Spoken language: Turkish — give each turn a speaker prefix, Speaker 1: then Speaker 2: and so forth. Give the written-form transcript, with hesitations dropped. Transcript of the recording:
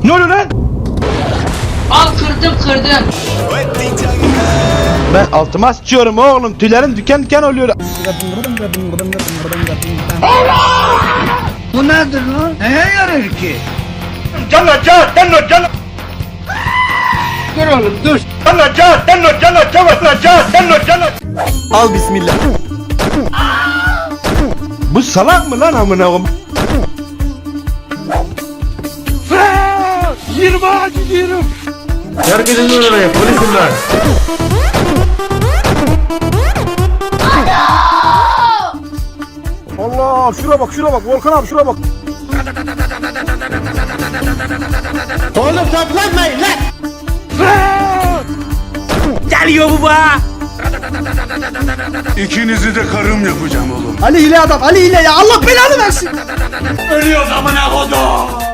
Speaker 1: Ne oluyor lan?
Speaker 2: Al kırdım.
Speaker 1: Ben altıma sıçıyorum oğlum. Tüylerim diken diken oluyor.
Speaker 3: Bu nedir lan? Neye yarar ki? Dur oğlum dur.
Speaker 4: Al bismillah.
Speaker 1: Bu salak mı lan amına koyayım?
Speaker 3: 20'a gidiyorum.
Speaker 4: Herkesin oraya polisim var.
Speaker 5: Allah şura bak Volkan abi şura bak.
Speaker 4: Oğlum toplanmayın lan.
Speaker 3: Geliyor baba.
Speaker 6: İkinizi de karım yapacağım oğlum.
Speaker 5: Ali hile adam Ali hile ya Allah belanı versin.
Speaker 3: Ölüyoruz amına kodum.